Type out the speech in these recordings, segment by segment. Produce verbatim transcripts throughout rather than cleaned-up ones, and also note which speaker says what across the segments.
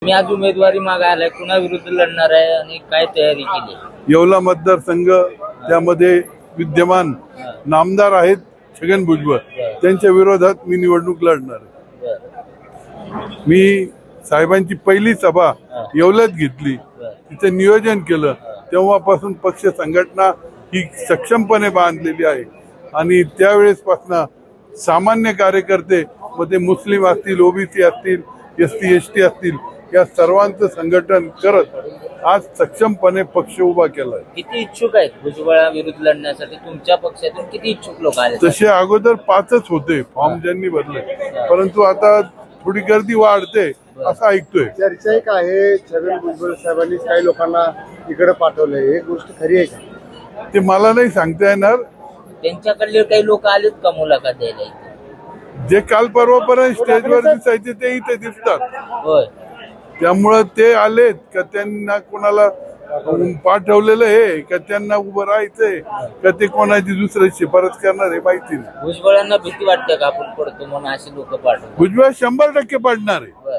Speaker 1: मी आज उमेदवारी मागायला कुणा विरुद्ध लढणार आहे आणि काय तयारी केली?
Speaker 2: येवला मतदारसंघ त्यामध्ये विद्यमान नामदार आहेत छगन भुजबळ, त्यांच्या विरोधात मी निवडणूक लढणार आहे। मी साहेबांची पहिली सभा येवल्यात घेतली, तिथे नियोजन केलं, तेव्हापासून पक्ष संघटना ही सक्षमपणे बांधलेली आहे आणि त्यावेळेसपासून सामान्य कार्यकर्ते मध्ये मुस्लिम असतील, ओबीसी असतील, एस टी एस टी असतील, या सर्वांचं संघटन करत आज सक्षमपणे पक्ष उभा केला आहे।
Speaker 1: किती इच्छुक आहेत भुजबळा विरुद्ध लढण्यासाठी? तुमच्या पक्षातून किती इच्छुक लोक आले?
Speaker 2: तसे अगोदर पाचच होते, फॉर्म ज्यांनी भरले, परंतु आता थोडी गर्दी वाढते असं ऐकतोय।
Speaker 3: चर्चा एक आहे, छगन भुजबळ साहेबांनी काही लोकांना इकडे पाठवलंय, एक गोष्ट खरी आहे का?
Speaker 2: ते मला नाही सांगता येणार।
Speaker 1: त्यांच्याकडले काही लोक आलेत का मुलाखत द्यायला इथे?
Speaker 2: जे काल परवापर्यंत स्टेजवर दिसायचे ते इथे दिसतात,
Speaker 1: होय।
Speaker 2: त्यामुळे ते आलेत का त्यांना कोणाला पाठवलेलं आहे का त्यांना उभं राहायचंय का ते कोणाची दुसरी शिफारस करणार हे माहिती नाही।
Speaker 1: भुजबळांना भीती वाटते का आपण पडतो म्हणून असे लोक पाठवतात?
Speaker 2: भुजबळ शंभर टक्के पडणार आहे,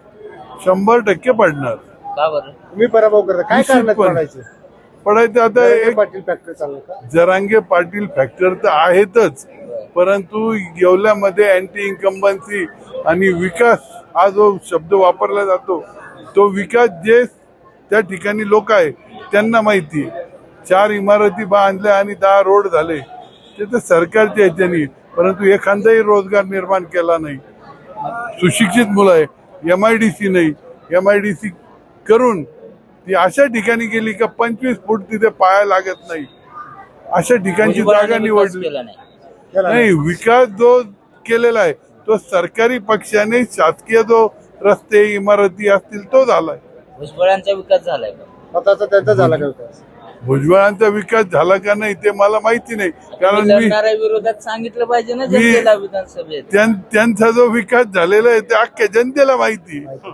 Speaker 2: शंभर टक्के पडणार।
Speaker 1: का बरं?
Speaker 3: तुम्ही पराभव करता, काय करणार पडायचं?
Speaker 2: पडायचं आता एक
Speaker 3: पाटील फॅक्टर चालू का?
Speaker 2: जरांगे पाटील फॅक्टर तर आहेतच, परंतु येवल्यामध्ये अँटी इन्कम्बन्सी आणि विकास हा जो शब्द वापरला जातो, तो विकास जे त्या ठिकाणी लोक आहे त्यांना माहिती आहे। चार इमारती बांधल्या आणि दहा रोड झाले, ते तर सरकारच्या ह्याच्यानी, परंतु एखादाही रोजगार निर्माण केला नाही। सुशिक्षित मुलं आहे, एम आय डी सी नाही, एम आय डी सी करून ती अशा ठिकाणी गेली का पंचवीस फूट तिथे पाया लागत नाही, अशा ठिकाणची जागा निवडली नाही। विकास जो केलेला आहे तो सरकारी पक्षाने, शासकीय जो रस्ते इमारती असतील तो झालाय।
Speaker 1: भुजबळांचा विकास झालाय का?
Speaker 3: स्वतःचा त्यांचा झाला का विकास?
Speaker 2: भुजबळांचा विकास झाला का नाही ते मला माहिती नाही, कारण मी
Speaker 1: लढणाऱ्या विरोधात सांगितलं पाहिजे ना जनतेला विधानसभेत।
Speaker 2: त्यांचा जो विकास झालेला आहे ते अख्ख्या जनतेला माहिती आहे।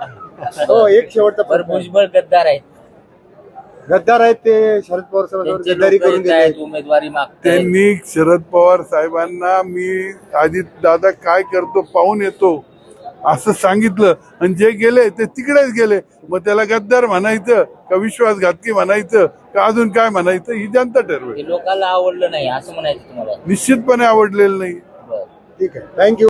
Speaker 3: हो, एक शेवटचा
Speaker 1: पर भुजबळ गद्दार आहेत,
Speaker 3: गद्दार आहेत ते, शरद पवार साहेबांवर गद्दारी करून गेले,
Speaker 1: उमेदवारी मागतात।
Speaker 2: त्यांनी शरद पवार साहेबांना मी अजित दादा काय करतो पाहून येतो असं सांगितलं, आणि जे गेले ते तिकडेच गेले। मग त्याला गद्दार म्हणायचं का विश्वासघातकी म्हणायचं का अजून काय म्हणायचं ही जनता ठरवेल।
Speaker 1: लोकांना आवडलं नाही असं म्हणायचं तुम्हाला?
Speaker 2: निश्चितपणे आवडलेलं नाही।
Speaker 3: ठीक आहे, थँक्यू।